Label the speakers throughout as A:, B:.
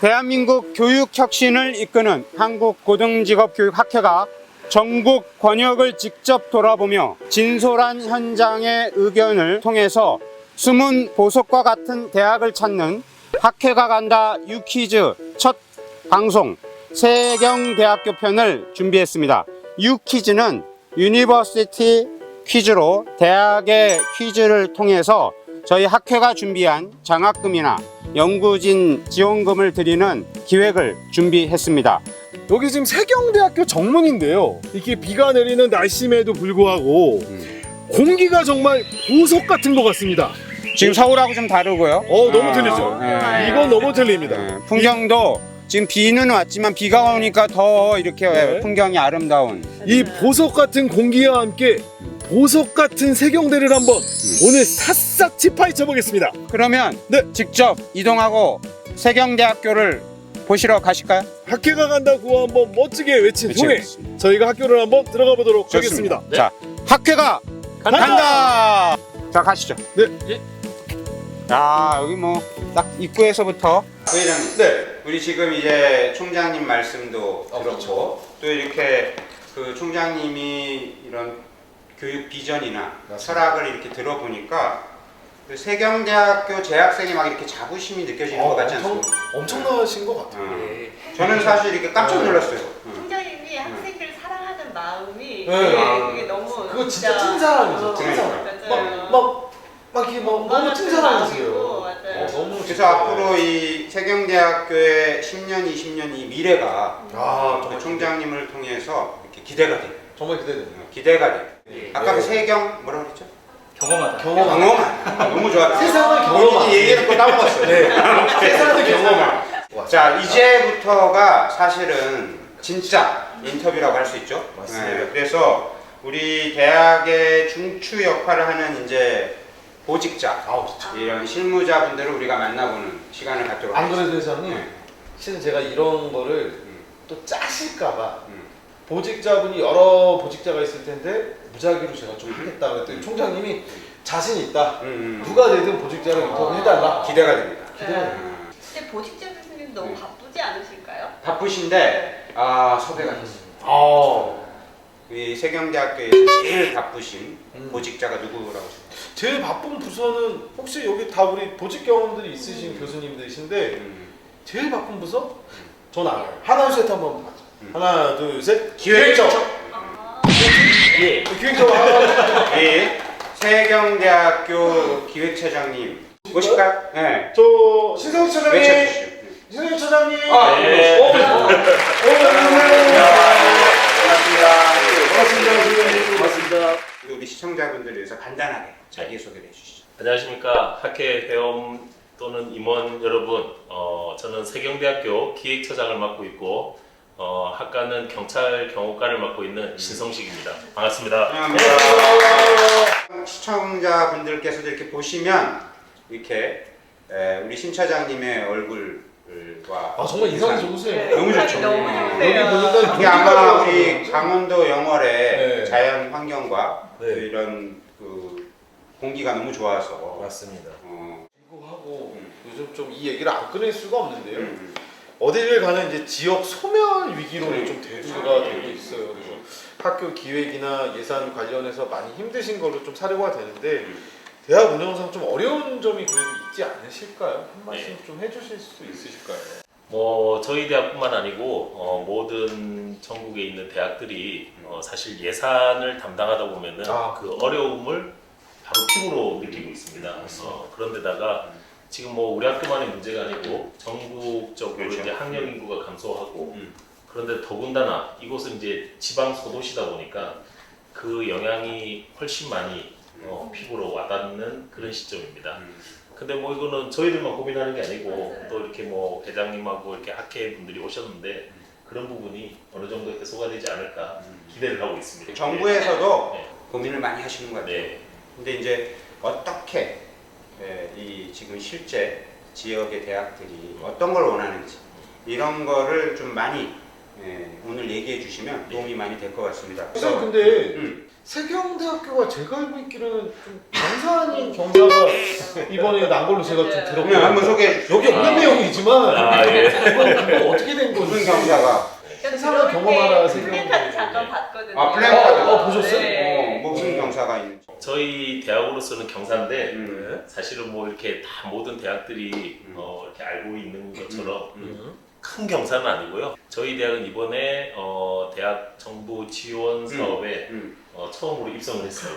A: 대한민국 교육혁신을 이끄는 한국고등직업교육학회가 전국 권역을 직접 돌아보며 진솔한 현장의 의견을 통해서 숨은 보석과 같은 대학을 찾는 학회가 간다 유퀴즈 첫 방송 세경대학교 편을 준비했습니다. 유퀴즈는 유니버시티 퀴즈로 대학의 퀴즈를 통해서 저희 학회가 준비한 장학금이나 연구진 지원금을 드리는 기획을 준비했습니다.
B: 여기 지금 세경대학교 정문인데요. 이렇게 비가 내리는 날씨임에도 불구하고 공기가 정말 보석 같은 것 같습니다.
A: 지금 서울하고 좀 다르고요.
B: 너무 틀리죠.
A: 네.
B: 이건 너무 틀립니다.
A: 네, 풍경도 지금 비는 왔지만 비가 오니까 더 이렇게
B: 네.
A: 풍경이 아름다운.
B: 이 보석 같은 공기와 함께 보석 같은 세경대를 한번 오늘 샅샅이 파헤쳐 보겠습니다.
A: 그러면
B: 네.
A: 직접 이동하고 세경대학교를 보시러 가실까요?
B: 학회가 간다고 한번 멋지게 외친
A: 그치,
B: 후에
A: 그치.
B: 저희가 학교를 한번 들어가 보도록
A: 좋습니다.
B: 하겠습니다.
A: 자, 학회가 간다! 자, 가시죠.
B: 네.
A: 야, 여기 뭐 딱 입구에서부터 부회장님.
B: 네.
A: 우리 지금 이제 총장님 말씀도 들었고
B: 그렇죠.
A: 또 이렇게 그 총장님이 이런 교육 비전이나 철학을 이렇게 들어보니까 그 세경대학교 재학생이 막 이렇게 자부심이 느껴지는 것 같지 않습니까?
B: 엄청나신 것 같아요.
A: 저는 사실 이렇게 깜짝 놀랐어요.
C: 총장님이 학생들을 사랑하는 마음이
B: 네.
C: 그게 너무
D: 그거 진짜 찐사랑이죠.
A: 그러니까.
C: 맞아요.
D: 막 이렇게 막 너무 찐사랑이세요.
C: 맞아요.
B: 너무
A: 그래서 앞으로 이 세경대학교의 10년, 20년 이 미래가
B: 정말
A: 총장님을 통해서 이렇게 기대가 돼요.
D: 정말 기대돼요.
A: 기대가 돼요.
D: 네.
A: 아까 그 세경 뭐라고 그랬죠?
D: 경험하다.
A: 경험한. 너무 좋았다.
D: 세상을 경험한.
A: 본인이 얘기해놓고 따먹었어요.
D: 네. 세상을 경험한.
A: 자, 이제부터가 사실은 진짜 인터뷰라고 할 수 있죠.
D: 맞습니다.
A: 그래서 우리 대학의 중추 역할을 하는 이제 보직자,
D: 그렇죠.
A: 이런 실무자분들을 우리가 만나보는 시간을 갖도록
D: 안 그래도
A: 하겠습니다.
D: 회장님,
A: 네.
D: 실은 제가 이런 거를 또 짜실까봐
A: 음.
D: 보직자분이 여러 보직자가 있을 텐데 무작위로 제가 좀 하겠다 그랬더니 총장님이 자신 있다. 누가 되든 보직자를 인터뷰해달라.
A: 기대가 됩니다.
C: 네. 근데 보직자 교수님 너무 바쁘지 않으실까요?
A: 바쁘신데 섭외가 됐어요. 이 세경대학교에서 제일 바쁘신 보직자가 누구라고 생각해요?
D: 제일 바쁜 부서는 혹시 여기 다 우리 보직 경험들이 있으신 교수님들이신데 제일 바쁜 부서? 전 알아요. 하나 둘 셋 한번 가죠. 하나 둘 셋.
A: 기획적.
D: 예. 기획적 하나.
A: 예. 세경대학교 기획처장님 모실까요? 네.
D: 저 신성희 차장님.
A: 외쳐주시죠.
D: 신성희 차장님.
A: 네.
D: 반갑습니다.
A: 우리 시청자분들을 위해서 간단하게 자기소개를 해주시죠.
E: 안녕하십니까. 학회 회원 또는 임원 여러분, 저는 세경대학교 기획처장을 맡고 있고 학과는 경찰 경호과를 맡고 있는 신성식입니다. 반갑습니다.
A: 시청자분들께서도 이렇게 보시면 이렇게 우리 신 차장님의 얼굴과
D: 정말 인상이 좋으세요.
A: 너무 좋죠.
C: 너무
D: 여기
C: 좋네요.
D: 보니까
A: 이게 아마 우리 강원도 영월의
D: 네.
A: 자연 환경과
D: 네.
A: 그 이런 그 공기가 너무 좋아서
D: 맞습니다.
A: 어,
D: 하고 요즘 좀 이 얘기를 안 꺼낼 수가 없는데요. 어디를 가는 이제 지역 소멸 위기로 좀 대두가 되고 있어요. 그래서 학교 기획이나 예산 관련해서 많이 힘드신 걸로 좀 사례가 되는데 대학 운영상 좀 어려운 점이 그래도 있지 않으실까요? 한 말씀 좀 해주실 수 있으실까요?
E: 저희 대학뿐만 아니고 모든 전국에 있는 대학들이 사실 예산을 담당하다 보면은 그 어려움을 바로 피부로 느끼고 있습니다. 그런데다가 지금 우리 학교만의 문제가 아니고 전국적으로
A: 그렇죠.
E: 이제 학령 인구가 감소하고 그런데 더군다나 이곳은 이제 지방 소도시다 보니까 그 영향이 훨씬 많이 피부로 와닿는 그런 시점입니다. 근데 이거는 저희들만 고민하는 게 아니고 또 이렇게 회장님하고 이렇게 학회 분들이 오셨는데 그런 부분이 어느 정도 해소가 되지 않을까 기대를 하고 있습니다.
A: 정부에서도
E: 네.
A: 고민을 많이 하시는 것 같아요.
E: 네.
A: 근데 이제 어떻게 이 지금 실제 지역의 대학들이 어떤 걸 원하는지 이런 거를 좀 많이 오늘 얘기해 주시면 도움이 많이 될 것 같습니다.
D: 선생님 근데 세경대학교가 제가 알고 있기로는 좀 경사님 경사가 이번에 난 걸로 제가 좀
A: 그냥
D: 들었거든요.
A: 한번 소개해 주시죠.
D: 여기 없는 내용이지만
E: 아, 예.
D: 이거 어떻게 된 건지
A: 무슨 경사가?
D: 세상을 경험하라 세경.
C: 플랜카드 잠깐 봤거든요.
A: 아, 플랜카드.
D: 보셨어요?
C: 네.
A: 무슨 경사가 있는지.
E: 저희 대학으로서는 경사인데
A: 음.
E: 사실은 뭐 이렇게 다 모든 대학들이 이렇게 알고 있는 것처럼 큰 경사는 아니고요. 저희 대학은 이번에 대학 정부 지원 사업에 처음으로 입성을 했어요.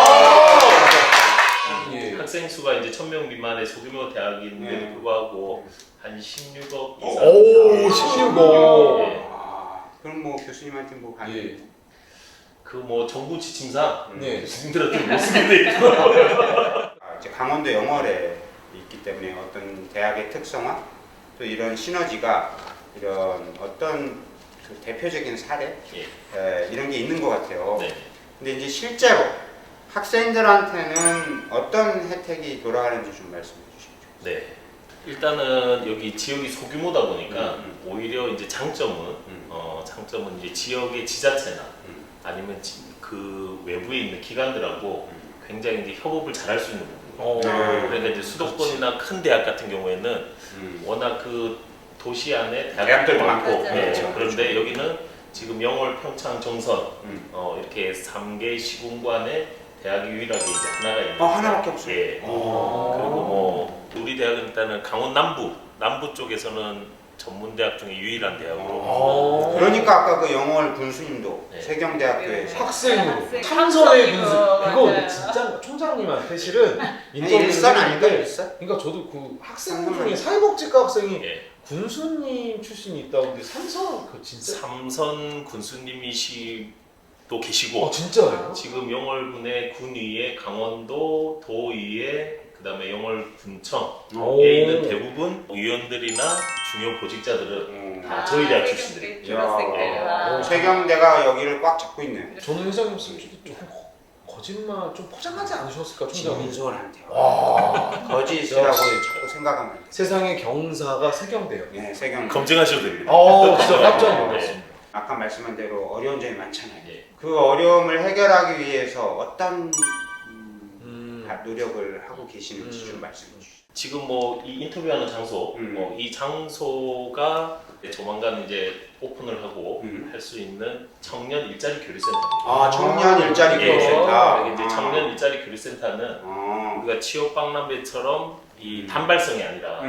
D: 예.
E: 학생 수가 이제 1,000명 미만의 소규모 대학인데도 불구하고 한 16억 이상.
D: 오 16억.
E: 예.
A: 그럼 뭐 교수님한테 뭐
D: 예.
A: 반응?
E: 그 뭐 정부 지침상
D: 네.
E: 교수님들한테 못 쓰게 돼 있고.
A: 이제 강원도 영월에 있기 때문에 어떤 대학의 특성화 또 이런 시너지가 이런 어떤 그 대표적인 사례 이런 게 있는 것 같아요.
E: 네.
A: 근데 이제 실제로 학생들한테는 어떤 혜택이 돌아가는지 좀 말씀해 주시죠.
E: 네. 일단은 여기 지역이 소규모다 보니까 오히려 이제 장점은 이제 지역의 지자체나 아니면 그 외부에 있는 기관들하고 굉장히 이제 협업을 잘할 수 있는 부분. 그러니까 이제 수도권이나 큰 대학 같은 경우에는 워낙 그 도시 안에 대학들도 많고,
C: 맞아요.
E: 네.
C: 그렇죠.
E: 그런데 여기는 지금 영월, 평창, 정선 이렇게 3개 시군관에 대학이 유일하게 이제 하나가 있는.
A: 하나밖에 없어요.
E: 예. 그리고 뭐 우리 대학은 일단은 강원 남부 쪽에서는 전문대학 중에 유일한 대학으로.
A: 그러니까 아까 그 영월 군수님도
E: 네.
A: 세경대학교에서
D: 학생으로
C: 학생,
D: 탐선의
C: 탐선이고,
D: 군수 그거
C: 맞아요.
D: 진짜 총장님한테 실은
A: 일선 아닐까
D: 했는데
A: 일선?
D: 그러니까 저도 그 학생 중에 사회복지과 학생이
E: 예.
D: 군수님 출신이 있다는데 삼선 그 진짜
E: 삼선 군수님이시도 계시고
D: 진짜예요?
E: 지금 영월군의 군위에 강원도 도의회 그다음에 영월군청에 있는 대부분 의원들이나 중요 보직자들은 다 저희 대학 출신들이.
C: 졸업생들.
A: 세경대가 여기를 꽉 잡고 있네.
D: 저는 회장님 솔직히 좀 거짓말 좀 포장하지 않으셨을까 총장님?
A: 진솔한데요.
D: 와
A: 거짓이라고
D: 역시.
A: 자꾸 생각하면 안 돼.
D: 세상의 경사가 세경대요.
A: 네, 세경.
E: 검증하셔도 됩니다.
D: 진짜 깜짝 놀랐습니다.
A: 아까 말씀한 대로 어려운 점이 많잖아요.
E: 예.
A: 그 어려움을 해결하기 위해서 어떤 노력을 하고 계시는지 좀 말씀해 주시죠.
E: 지금 뭐 이 인터뷰하는 장소, 이 장소가 조만간 이제 오픈을 하고 할 수 있는 청년 일자리 교류센터입니다.
A: 청년 일자리 교육센터.
E: 예, 이제 청년 일자리 교류센터는 우리가 취업 박람회처럼 이 단발성이 아니라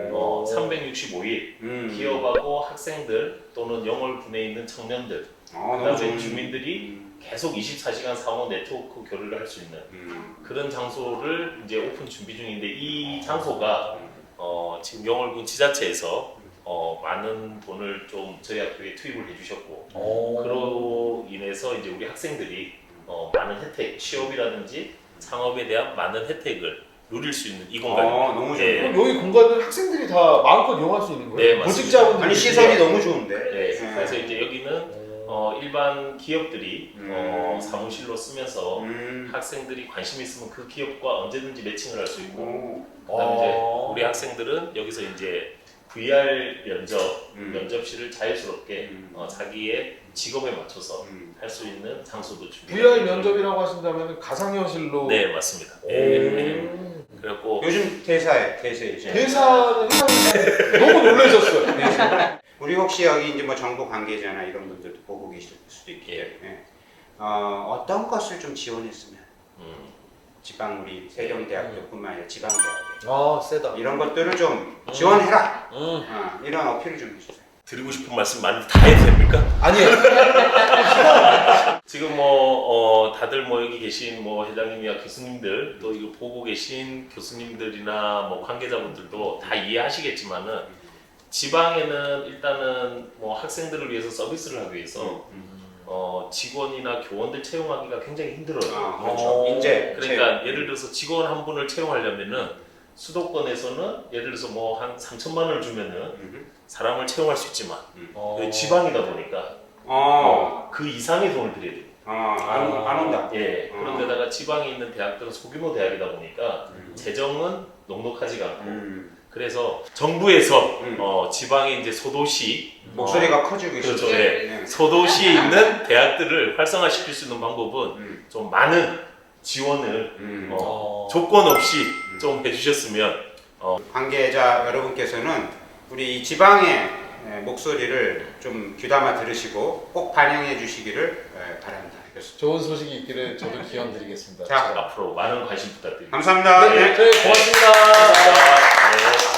E: 365일 기업하고 학생들 또는 영월군에 있는 청년들, 그다음에 주민들이 계속 24시간 상호 네트워크 교류를 할 수 있는 그런 장소를 이제 오픈 준비 중인데 이 장소가 지금 영월군 지자체에서 많은 돈을 좀 저희 학교에 투입을 해주셨고 그로 인해서 이제 우리 학생들이 많은 혜택, 취업이라든지 창업에 대한 많은 혜택을 누릴 수 있는 이 공간입니다.
A: 너무
E: 예.
A: 좋네요.
D: 그럼 여기 공간을 학생들이 다 마음껏 이용할 수 있는 거예요?
E: 네, 맞습니다.
D: 보직자분들
A: 아니 시설이 너무 좋은데.
E: 네, 그래서 이제 여기는 일반 기업들이 사무실로 쓰면서 학생들이 관심 있으면 그 기업과 언제든지 매칭을 할 수 있고 그다음에 이제 우리 학생들은 여기서 이제 VR 면접실을 자유스럽게 자기의 직업에 맞춰서 할 수 있는 장소도 준비.
D: VR 면접이라고 하신다면 가상현실로
E: 네 맞습니다.
D: 오.
E: 그래갖고
A: 요즘 대세이죠.
D: 대사는 회장님 너무 놀라셨어요.
A: 우리 혹시 여기 이제 뭐 정부 관계자나 이런 분들도 보고 계실 수도 있기 때문에 어떤 것을 좀 지원했으면 지방 우리 세경대학교뿐만 아니라 지방대학에
D: 세다.
A: 이런 것들을 좀 지원해라. 이런 어필을 좀 해주세요.
E: 드리고 싶은 말씀 많이 다 해도 됩니까?
D: 아니에요.
E: 지금 뭐 다들 뭐 여기 계신 뭐 회장님이나 교수님들 또 이거 보고 계신 교수님들이나 뭐 관계자분들도 다 이해하시겠지만은 지방에는 일단은 뭐 학생들을 위해서 서비스를 하기 위해서 직원이나 교원들 채용하기가 굉장히 힘들어요.
A: 그렇죠. 인재.
E: 그러니까 예를 들어서 직원 한 분을 채용하려면은 수도권에서는 예를 들어서 뭐 한 3천만 원을 주면은 사람을 채용할 수 있지만 여기 지방이다 보니까 그 이상의 돈을 들여야 돼요.
A: 안 온다.
E: 예. 그런데다가 지방에 있는 대학들은 소규모 대학이다 보니까 재정은 넉넉하지가 않고 그래서 정부에서 지방의 이제 소도시
A: 목소리가 커지고
E: 그렇죠.
A: 있어요.
E: 네. 소도시에 있는 대학들을 활성화시킬 수 있는 방법은 좀 많은 지원을 조건 없이 좀 해주셨으면
A: 관계자 여러분께서는 우리 이 지방의 목소리를 좀 귀담아 들으시고 꼭 반영해 주시기를 바랍니다.
D: 좋은 소식이 있기를 저도 기원 드리겠습니다.
A: 자,
E: 앞으로 많은 관심 부탁드립니다.
A: 감사합니다.
D: 네, 저희 고맙습니다.
E: 감사합니다. 네.